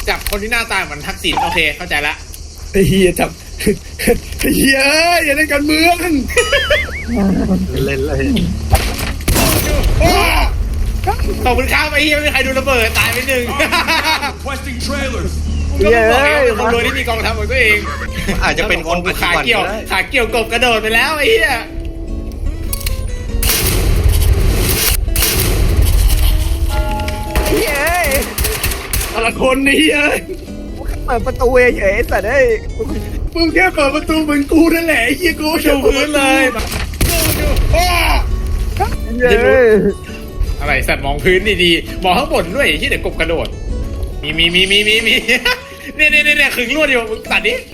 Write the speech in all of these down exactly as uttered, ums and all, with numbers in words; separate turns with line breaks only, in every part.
จับคนที่หน้าตาเหมือนทักษิณโอเคเข้าใจละ
ไอ้เฮียจับไอ้เฮียอย่าเล่นการเมือง
เล่นเลย
ขอบคุณครับไอ้เฮียไม่มีใครดูระเบิดตายไปหนึ่งก็ต้องบอกไงคนรวยที่มีกองทัพของตัวเอง
อาจจะเป็นคน
ขาเกี่ยวขาเกี่ยวกบกระโดดไปแล้วไอ้เหี้ย
เฮ้ยแต่ละคนนี่เฮ้ยเปิดประตูเฉยๆแต่ได้มึงแค่เปิดประตูเหมือนกูนั่นแหละไอ้เหี้ยกู
ดูพื้นเลยอะไรสัตว์มองพื้นดีๆมองข้างบนด้วยที่เดี๋ยวกบกระโดดมีมีมีมีมีมีเนี่ยเนี่ยเนี่ยขึงลวดอยู่มึงตัดดิ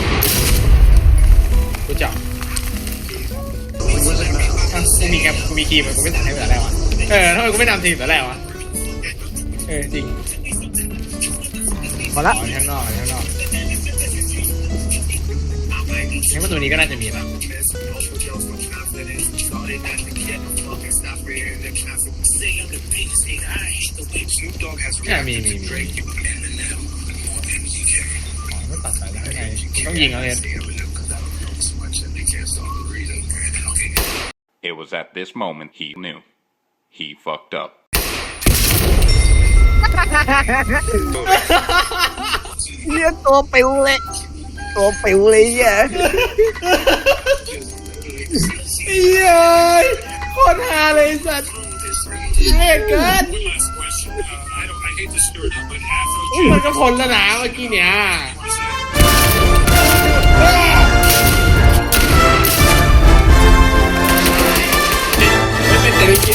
กูจับกูมีแกกูมีครีมกูไม่ตัดให้แต่แรกวะเออทำไมกูไม่นำทีแต่แรกวะเออจริง
พอละ
ข้างนอกข้างนอกงั้นประตูนี้ก็น่าจะมีนะมีมีมีไม่ตัดสายแล้วไงต้องยิงแล้วเนี่ย
It was at this moment he knew he fucked up.
เรียกตัวปิวเลยตัวปิวเลยอ่ะ
เย้ยโคตรฮาเลยสัตว์เฮ้ยเกินมันก็พ้นแล้วนะเมื่อกี้เนี้ยเป็นเศรษฐกิจ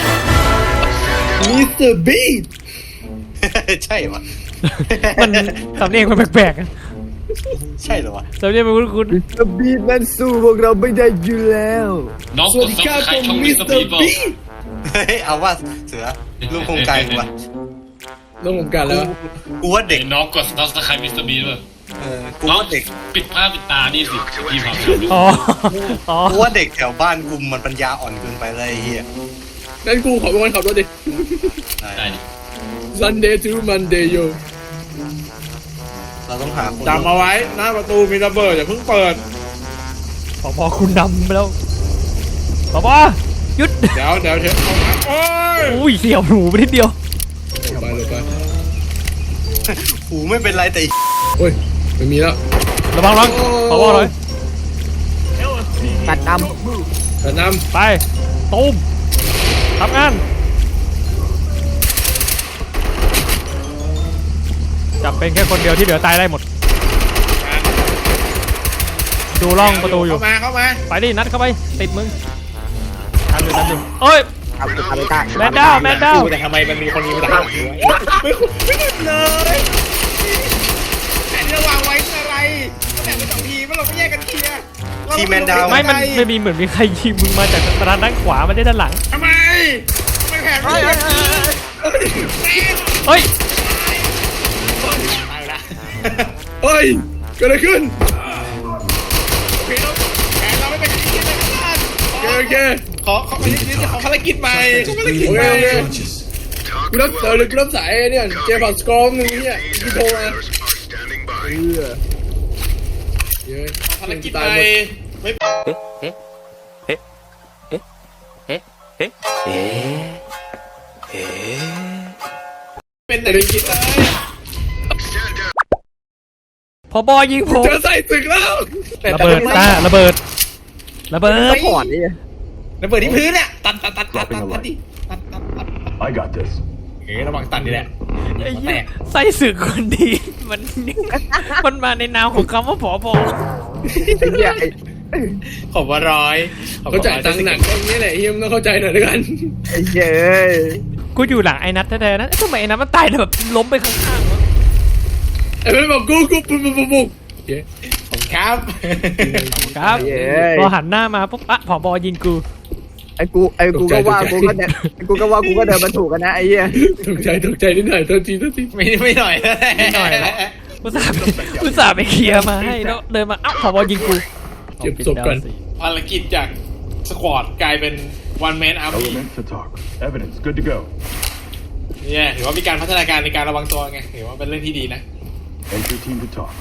มิสเตอร์บีท
ใช่ปะ
มันสำเนียงมันแปลก
ๆใช่เหรอวะ
สำเนียงมันคุ้นๆ
มิสเตอร์บีทมันสู้พวกเราไม่ได้อยู่แล้ว
สวัสดีครับผมมิสเตอร์บีท
เฮ้ยเอาว่าเสือลูกโครงการกูวะ
ลูกโครงการแล้ว
กูว่าเด็ก
น้องกดซับสไครต์มิสเตอร์บีทป่ะ
เออกูว่าเด็ก
ปิดผ้าปิดตาดิสิพี่ฟัง
อ๋ออ๋อ
กูว่าเด็กแถวบ้านกูมันปัญญาอ่อนเกินไปเลยเฮีย
งั้นกูขอเป็นคนขับรถดิ
ได้ดิ
Sunday to Monday โย
เราต้องหาคน
จำเอาไว้หน้าประตูมีระเบิดอย่าเพิ่งเปิด
พอพอคุณนำไปแล้วพอพอหยุด
เดี๋ยวเดี๋ยวเดี๋ยวโอ้ย
อุ้ยเสียวหูไปนิดเดียว
ไปเลยไป
หูไม่เป็นไรแต่
โอ้ยไม่มีแล้ว
ระวังระวังพอพอเลยตัดน
ำตัดน
ำไปตูมทำงานจับเป็นแค่คนเดียวที่เหลือตายได้หมดดูร่องประตูอยู่
เข้ามาเข้ามา
ไปดินัดเข้าไปติดมึงทันอยู่ทันอยู่เอ้ยแมนดาวแมนดาว
แต่ทำไมมันมีคนนี้มาด่าไม่ไม่ไม่เลยแต่ระวังไว้คืออะไรแต่เป็นสองทีมเราไม่แยกกันเคลียร์
ทีแมนดาว
ไม่มันไม่มีเหมือนมีใครยิงมึงมาจากทางด้านขวามาได้ด้านหลัง
ทำไมไม่แพ้ไม่
เฮ้ย
เฮ้ยเกิดอะไรขึ้น
แผนเราไม่เป็นที่เลยกัน
โอเค
ขอขอไปยืนขอภารกิจใหม่ขอภารกิจใหม่
กูรับเออกูรับสายเนี่ยเจมส์สกอมนึงเนี่ยที่โทรมาเออ
เยอะภารกิจใหม่ไม่เอ๊ะเอ๊ะเอ๊ะเอ๊ะเอ๊ะเอ๊ะเอ๊ะเอ๊ะเป็นอะไรกินเลย
พอบอยิงผม
เจอใส่ศึกแล้ว
ระเบิดตาระเบิดระเบิด
ก่อนนี่
ระเบิดที่พื้นเนี่ยตัดตัดตัดตัดตัดตัดดิตัดตัดตัด I got this เฮ้ยระวังตัดนี่แหละ
ไส้สึกคนดีมันมันมาในนามของคำว่าผอบอ
ขอบว่าร้อย
เขาจ่ายตังค์หนักตรงนี้แหละเฮียมต้องเข้าใจหน่อยด้วยกันไอ้เย้
กูอยู่หลังไอ้นัทแท้ๆนะทำไมไอ้นัทมันตายแบบล้มไปข้างๆวะ
ไอ้เพื่อนบอกกูกูปุ๊บปุ๊บปุ๊บ
ผมครับ
ครับพอหันหน้ามาปุ๊บอะผอบอยิงกู
ไอ้กูไอ้กูก็ว่ากูก็เนี่ยกูก็ว่ากูก็เดินมาถูกกันนะไอ้เหี้ยตกใจตกใจนิดหน่อยตัวทีตัวที
ไม่ไม่หน่อย
ไม่หน่อยอุตส่าห์อุตส่าห์ไปเคลียร์มาให้แล้วเดินมาอ้าวผอบอยิงกู
เจ็บศพกัน
ภารกิจจากสควอตกลายเป็น one man army เนี่ยถือว่ามีการพัฒนาการในการระวังตัวไงถือว่าเป็นเรื่องที่ดีนะ
Entry team to talk.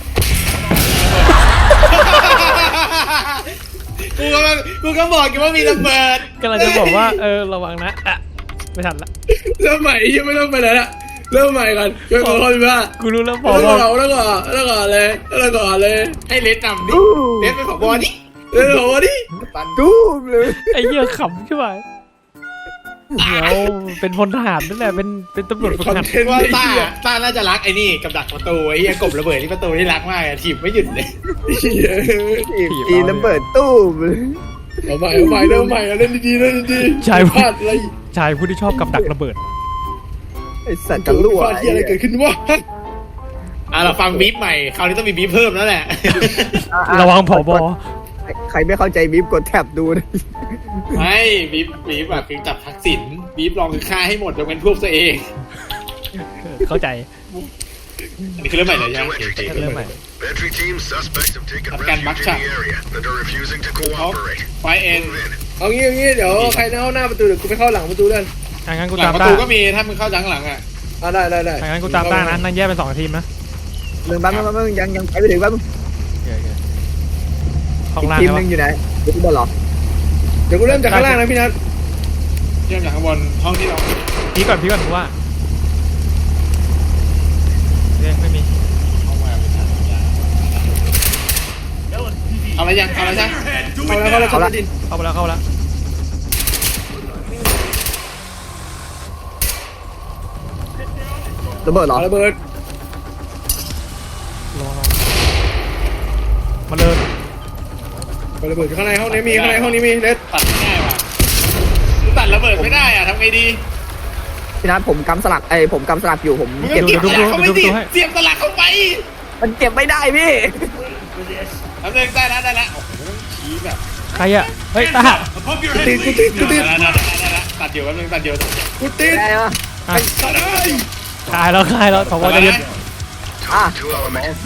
กูก็กูก็บอกกันว่ามีระเบิด
กำลังจะบอกว่าเออระวังนะอ่ะไม่ทันละ
เริ่มใหม่ยังไม่ต้องไปไหนละเริ่มใหม่ก่อนเริ่มขอเข้าไปว่า
กูรู้แล้วบ
แล้
อ
ว
ก
ก็
ว่า
แล้วก็แล้วก็เลยแล้วก็เลย
ให้เลสนำดิเลสเป็นผบดิ
เออโหดิ
ปัน
ตู้มเลย
ไอ้เหี้ยขำใช่ไหมเดี๋ยวเป็นพลทหารนั่นแหละเป็นเป็นตำรวจฝึก
คอน
หัด
เทนต์
ว่า
ว่า
ต้า
ต้า
ต้าน่าจะรักไอ้นี่กับดักประตูไอ้เหี้ยกบระเบิดที่ประตูที่รักมากอะถีบไม่หยุดเลย
อีระเบิดตู้มเอาใหม่เอาใหม่เริ่มใหม่เล่นดีๆเล่นดีๆ
ชาย
พลาดอะไร
ชายผู้ที่ชอบกับดักระเบิด
ไอสัตว์กันรั่วที่อะไรเกิดขึ้นวะ
อ่ะเราฟังบีฟใหม่คราวนี้ต้องมีบีฟเพิ่มแล้วแหละ
ระวังผอบอ
ใครไม่เข้าใจบีฟกดแท็บดูนะ
ไม่บีฟบีฟแบบคือจับทักษิณบีฟลองคือฆ่าให้หมดยกเว้นพวกตัวเอง
เข้าใจ
อันนี้คือเรื่องใหม่เลยใช่ไหม
เริ่มใหม่
Entry team suspects have taken
Afghan
refuge
Baksha.
in the area and are refusing to
เขา
cooperate.
ไฟเอ็น
Move in.
เอางี้เอางี้เดี๋ยวใครเข้าหน้าประตูเดี๋ยวกูไปเข้าหลังประตูด้วย
อ่ะงั้นกู
หลั
ตาง ม
ประ
ต้า
ตูก็มีถ้ามึงเข้าจังหลังอ่ะ
อ่าได้ได้ได้
อ่ะงั้นกูตามต้านะนั่งแยกเป็นสองทีมนะ
หนึ่งบ้านบ้านบ้านยังยังไปไม่ถึงบ้าน
โอเคโอเคห้อง
อีก
ล่าง
ทีม
ใช่
ห
ปะ
นึงอยู่ไหนเดี๋ยวกูบอลหรอเดี๋ยวกูเริ่มจากข้างล่างนะพี่นัท
เริ่มจากข้างบนห้องที่เรา
พีก่อนพีก่อนกูว่าโอเคไม่มี
เข้ามาเป็นทางยาวเอาอะไรยังเอาอะไรยัง
เอาแล้วเขาแล้วเขาแล้วดิน
เข้าไปแล้วเข้าไปแล้ว
ระเบิดหรอระเบิด
ระวังระวังมาเลย
ระเบิดข้างในห้องนี้มีข้างในห้องนี้มีเด็ด
ตัดไม่ได้ว่ะกูตัดระเบิดไม่ได้อ่ะทำไงดี
พี่นัทผมกำสลักไอ้ผมกำสลักอยู่ผม
มึงก็
เก็บ
เก็บสลักเข้าไปสิเสียบสลักเข้าไป
มันเก็บไม่ได้พี่
ทำเลยได้แล้วได้แล้วโอ้โหชี้แบบ
ใครอ่ะเฮ้ยตา
กูติดกูติดกูติด
ได้แล้วได้แล้วได้แล้วตัดอยู่แป๊บนึงตัดอยู่
กูติด
ได้ปะ
ไอ้สัตว์เอ้ย
คลายแล้วคลายแล้วผบจะเย็น
อ่ะ
Two elements.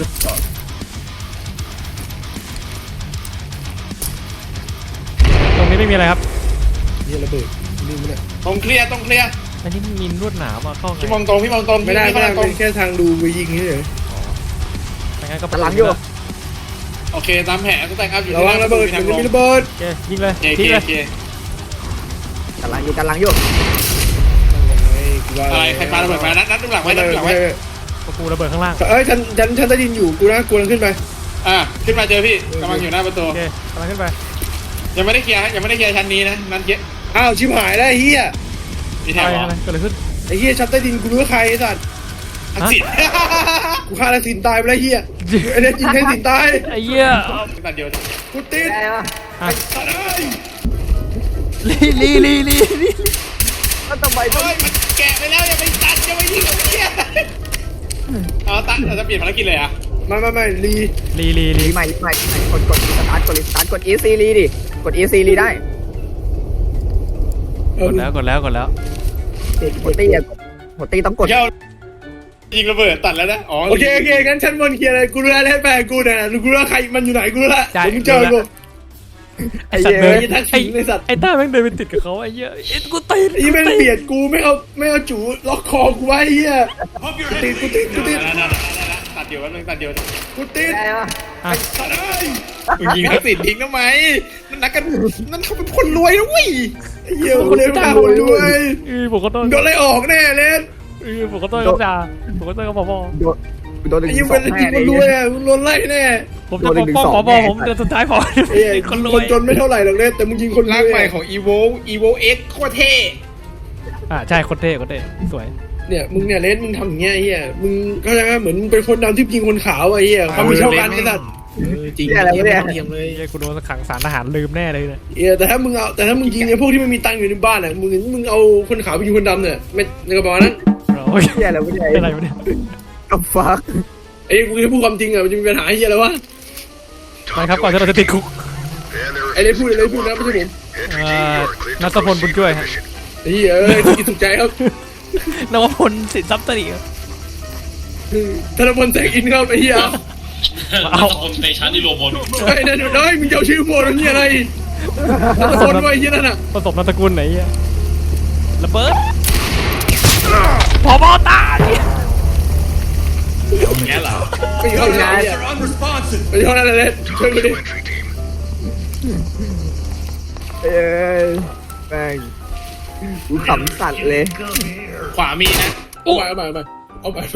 ตรงนี้ไม่มีอะไรครับ
นี่ระเบิดนี่มันเนี่ย
ตรงเคลียร์ตรงเคลียร์
อันนี้มีลวดหนามอ่ะเข้าไง
พี่มองตรงพี่มองตรง
ไม่ได้ไม่ได้
ตร
เป็
ง
นแค่ทางดูไปยิงนี่เฉย
ไม่งั้นก็
ตะหลังอยู่
โอเคตามแผนต้องแต่งอัพอยู่
ระวังระเบิด
ทาง
มัน
ลง
มีระเบิด
โอเคยิงเลย
โอเค
ทิ้งเลย
โอเค
กำลังอยู่กำลังอยู่
อะไรใครปาระเบิดมานัดนัดดูหลังไว้นัดดูหลังไว้
กูระเบิดข้างล่าง
เอ้ยฉันฉันฉันได้ยินอยู่กูนะกูกำลังขึ้นไป
อ่ะขึ้นมาเจอพี่กำลังอยู่หน้าประตู
โอเคกำลังขึ้นไป
ยังไม่ได้เคลียร์ฮะยังไม่ได้เคลียร์ชั้นนี้นะนั่นเยอะ
อ้าวชิบหายแล้วไอ้เฮีย
มีแถ
อะ
ว
ไร
เหรอ
อะไรเกิดอะไรขึ้น
ไอ้เฮียชั้นใต้ดินกูรู้ว่าใครไอ้สัตว์
ทักษิณ
กูฆ่าทักษิณตายไปแล้วเฮียไอ้เนี่ยจริงทักษิณตาย
ไอ้เหี้ย
ตัดเดียว
กูติด
ได้ปะ
อ่ะ
สัตว์เอ้ย
ลีลีลีลีลี
ก็ต้องไปต้อง
เฮ้ยมันแกะไปแล้วอย่าไปตัดอย่าไปยิงเหี้ยเอาตัดเราจะเปลี่ยนภารกิจเลยอ่ะ
ไม่ไม่ไม่รี
ลีลีลี
รีใหม่รีใหม่รีใหม่กดกดสตาร์ทกดรีสตาร์ทกด E C รีดิกด E C รีได้
กดแล้วกดแล้วกดแล้ว
หัวตีอ่ะหัวตีต้องกด
เดี๋ยวยิงระเบิดตัดแล้วนะอ๋อ
โอเคโอเคงั้นชั้นบนเคลียร์เลยกูรู้แล้วให้แฟนกูเนี่ยกูรู้ว่าใครมันอยู่ไหนกูรู้แล้ว
ใช่
เดี๋ยวมึงเจอกู
ไอ้สัตว์เดิน
ไอ้ทักษิณไอ้สัตว์
ไอ้ต้าแม่งเดินไปติดกับเขาไอ้เหี้ยไอ้กูติด
ไอ้แม่งเบียดกูไม่เอาไม่เอาจูล็อกคอกูไว้ไอ้เฮียกูติดกูติดกูติด
ตัดเดียวแป๊บนึงตัดเดียว
กูติด
ได้ปะ
อ่ะ
สัตว์เอ้ย
มึงยิงทักษิณทิ้งทำไมนั่นนักกันนั่นเขาเป็นคนรวยนะเว้ย
ไอ้เหี้ยกูเลยไม่กล้าคนด้วย
เออผมก็ต้อง
โดนไล่ออกแน่เลย
เออผมก็ต้องกับจ่าผมก็ต้องกับผบ
โดนโดนหนึ่
ไอ้
ง
ยิ่ง
สอ
เป็น
ง
จริ
แน่
ง
เล
คนรวย
ย
อ่ะโดนไล่แน่
ผมจะปกป้องผบผมเดือนสุดท้ายผม
ไอ้เหี้ย
คนร
ค
วน ย
จนไม่เท่าไหร่หรอกเนี่ยแต่มึงยิงคนร
ร่าง
วย
ใหม่ของ evo evo x โคตรเท่
อ่าใช่คนเท่คนเท่สวย
เนี่ยมึงเนี่ยเลนมึงทำอย่างเงี้ยไอ้เหี้ยมึงเข้าใจไหมเหมือนมึงเป็นคนดำที่ยิงคนขาวไอ้เหี้ยความมีเท่ากันไอ้สัตว์
จริง
อะไรวะเนี่ย
เทียมเลย
ไอ้กูโดนขังสารทหารลืมแน่เลยเนี่ย
เออแต่ถ้ามึงเอาแต่ถ้ามึงยิงไอ้พวกที่มันมีตังค์อยู่ในบ้านอ่ะมึงมึงเอาคนขาวไปยิงคนดำเนี่ยไม่ในกระเป๋านั้น
โอ้ย
เฮียอะไรวะเนี่ย
อะไรวะเนี่ย
กับฟัก
ไอ้กูแค่พูดความจริงอ่ะมันจะมีปัญหาไอ้เหี้ยอะไรวะ
ไปครับก่อนที่เราจะติดคุก
And there
ไอ้เลนพูดอะไรพูดนะไม่ใช่ผม
Entry team, you are cleared to
นัทพลบุญ
proceed
ช่วย
with
ครับ
mission.
ไอ้เหี้ยเอ้ยสุกิสุขใจครับ
นวพลสินทรัพย์ตรีครับ
ธนพลแสงอินครับไอ้เหี้ย
เอาคนเตชันที่รวมบน
ไอ้นั่นน้อยมึงจะเอาชื่อโมดนี่อะไรธนพลไว้ไอ้เหี้ยนั่นอ่ะ
ผสมนามสกุลไหนเหี้ยระเบิดผบตาย
แง่เหรอ
ไม่อยู่ห้องนั้นไม่อยู่ห้องนั้นเลยช่วยกูดิ
Entry team.
เอ้ยแม่งกูขำสัตว์เลย
ขวามีนะ
เอาไปเอาไปเอาไปเอาไปเอาไป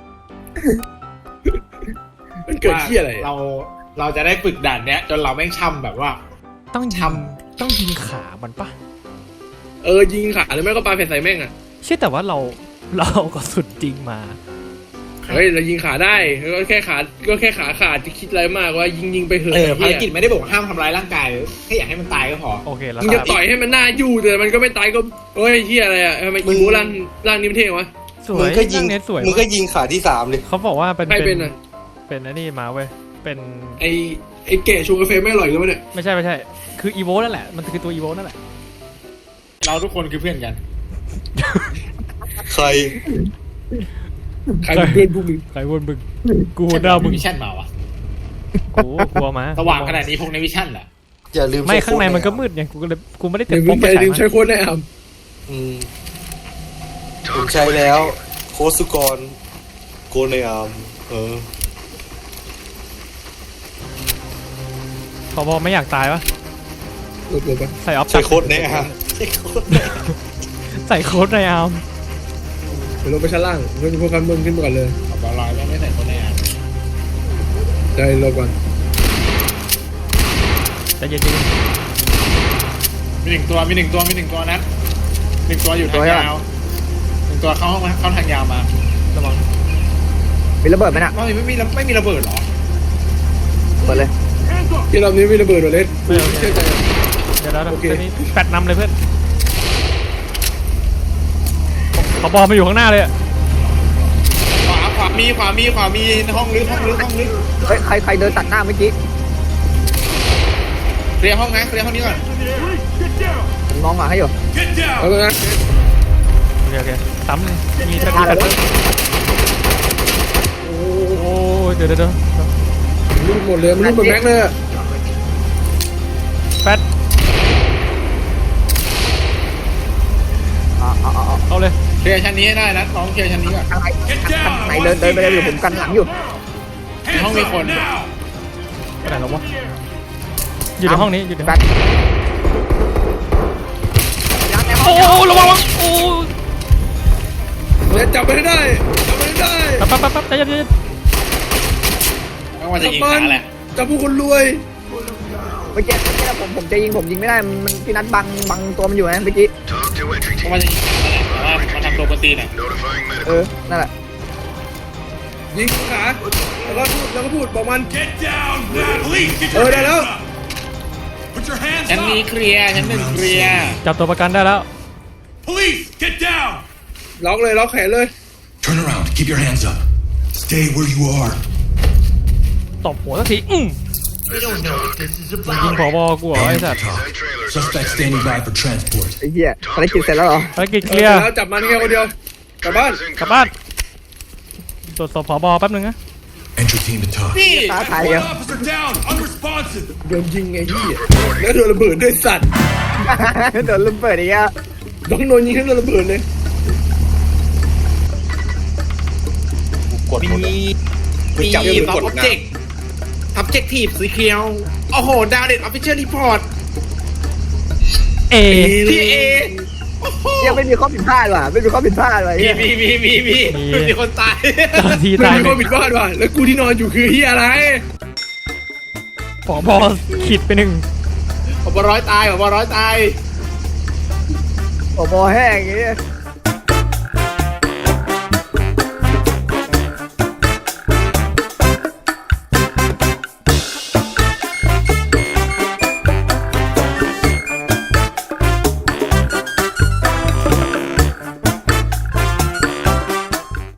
มันเกิดที่อะไร
เราเราจะได้ฝึกด่านเนี้ย จนเราแม่งช่ำแบบว่า
ต้องทำต้องยิงขามันปะ
เออยิงขาหรือไม่ก็ปาแผ่นใส่แม่งอ่ะ
เชื่อแต่ว่าเราเราเอากระสุนจริงมา
เฮ้ยเรายิงขาได้ก็แค่ขาก็แค่ขาขาดจะคิดอะไรมากว่ายิงยิงไปเถอะ
เออภาร
เหี้ย
กิจไม่ได้บอกว่าห้ามทำร้ายร่างกายแค่อยากให้มันตายก็พอ
โอเคแล้ว
มึงจะต่อยให้มันหน้ายู่แต่มันก็ไม่ตายก็เฮ้ยเฮียอะไรอ่ะทำไมอีโวร่างร่างนี้มันเท่วะ
สว
มึ
ย
งก็ยิง
เรื่องนี้สวย
มึงก็ยิงขาที่สามเลย
เขาบอกว่าเป็น
ใครเป็นอ่ะ
เป็นไอ้นี่มาเว้ยเป็น
ไอไอเก๋ชงกาแฟไม่อร่อยเลยวะเนี่ย
ไม่ใช่ไม่ใช่คืออีโวนั่นแหละมันคือตัวอีโวนั่นแหละ
เราทุกคนคือเพื่อนกัน
ใคร
ใครเป็นเพื่อนพวกมึง
ใครวนมึงกูหัวหน้ามึง
วิชั่นมาวะ
กูกลัวมา
สว่างขนาดนี้พวกในวิชั่นเหรอ
อย่าลืม
ไม่
ใช้
ข้างใน
โค้ด
มันก็มืดไงกูก็เลยกูไม่ได้
เดี๋
เต็
ย
ม
วมึ
ป
ง
ก
อย่าลืม
ใช้
ใช้โค้ดแนะน
อืมผมใช้แล้ว โค้ดสุกรโกนในอาร์มเออ
พอบอไม่อยากตายวะ
ำหลบหลบไป
ใส่ออฟ
ใช้โค้ดในอาร์มใช้โค้ดในอาร์ม
ใส่โค้ดในอาร์ม
เดี๋ยวลงไปชั้นล่างเพื่อนพวกกันมึงขึ้นมาก่อนเลย
ขอบร้อยไม่ไม่ใส่คนในอ่ะ
ได้ลงก่อน
ใจเย็น
มีหนึ่งตัวมีหนึ่งตัวมีหนึ่งตัวนะหนึ่งตัวอยู่ทางยาวหนึ่งตัวเข้าห้องเข้าทางยาวมา
ๆระวัง
มีระเบิดไหมน่ะ
ไม่ไม่มีไม่มีระเบิดหรอ
เปิดเลย
ที่รอบนี้ไม่ระเบิดหรอเล็ดเชื่อใจ
เดี๋ยวแล้ว
โอเค
ตอนนี้แปดนำเลยเพื่อนพอบอมาอยู่ข้างหน้าเลยอะ
ขวาขวามีขวามีขวามีห้องลึกห้องลึกห้องลึก
เฮ้ยใครใครเดินตัดหน้าเมื่อกี้
เคลียร์ห้องนะเคลียร์ห้องนี้ก่อน
ผมมองหมาให้อยู่
เอาเลยนะ
โอเคโอเคซ้ำเลยมีแปด
หน้า
แป
เลย
ดโอ้ยเดี๋ยวเดี๋ยวเดี๋ยว
รูดหมดเลยมันรูดหมดแม็กเลยอะ
แปด
เอาเอาเอาเอา
เอาเลย
เคลียร์ชั้นนี้ให้ได้นะน้องเคลียร์ชั้นนี้ก่อน
ทางไหนทางไหนเดินเดินไปเลยเดี๋ยวผมกันหลังอยู่
ในห้องมีคน
ไปไหนแล้ววะอยู่ในห้องนี้อยู่ใน
แบ
ห้อง
ตยัดในห้
โอ้
อง
โหระวังระวังโอ้
เล็ดจับไปให้ได้จับไปให้ได้
แป๊บแป๊บแป๊บใจเย็นใจเย็น
ไม่ว่าจะ
จับ
ยิง
มั
ขาน แหละ
จับผู้คนรวย
เมื่อกี้เมื่อกี้ผมผมจะยิงผมยิงไม่ได้มันพี่นัทบังบังตัวมันอยู่นะเมื่อกี้
Talk to entry
ไม่
team.
ว่าจะยิงขาแหละแต่ว่ามันทำตัวปกติน่ะ
Notifying
เอ
medical.
อนั่นแหละ
ยิงขาแล้วก็พูดแล้วก็พูดบอกมันเออได้แล้ว
ชั้นนี้เคลียร์ชั้นหนึ่งเคลียร์
จับตัวประกันได้แล้ว
ล็อกเลยล็อกแขนเลย
Turn around. Keep your hands up. Stay where you are.
ตบหัวสักทีอืมยิงผอบกูเหรอไอ้สัตว์
Suspect standing by for transport.
ไอ้เหี้ยภารกิจเสร็จแล้วเหรอ
ภารกิจเคลียร์
แล้วจับมันแค่คนเดียวกลับบ้าน
กลับบ้านตรวจสอบผอบแป๊บนึงนะ
Entry team to talk.
นี่
ตาถ่ายเดียว
โดนยิงไงพี่แล้วโดนระเบิดด้วยสัตว์
โดนลืมเปิดอีกแล้ว
ต้องโดนยิงทั้งโดนระเบิดเลย
กดหมดเลย
มี
จับ
มี
มือ
สอง
กด
ออบ
นะ
เจกต์ออบเจกทีฟสีเขียว โอ้โห ดาวเด็ดออฟฟิเชียลรีพอร์ต
เอ
ทีเอ
ยังไม่มีข้อผิดพลาดว่ะไม่มีข้อผิดพลาดว่ะ
มี
เหี้ย
มีมีมีมีมีคนตาย
ตอนที
ไม่
ตาย
มีคนผิดพลาดว่ะแล้วกูที่นอนอยู่คือเฮียอะไร
ผอบอขีดไปหนึ่ง
ผมร้อยตายผมร้อยตาย
โอ้โหแห้งอย่างเงี้ย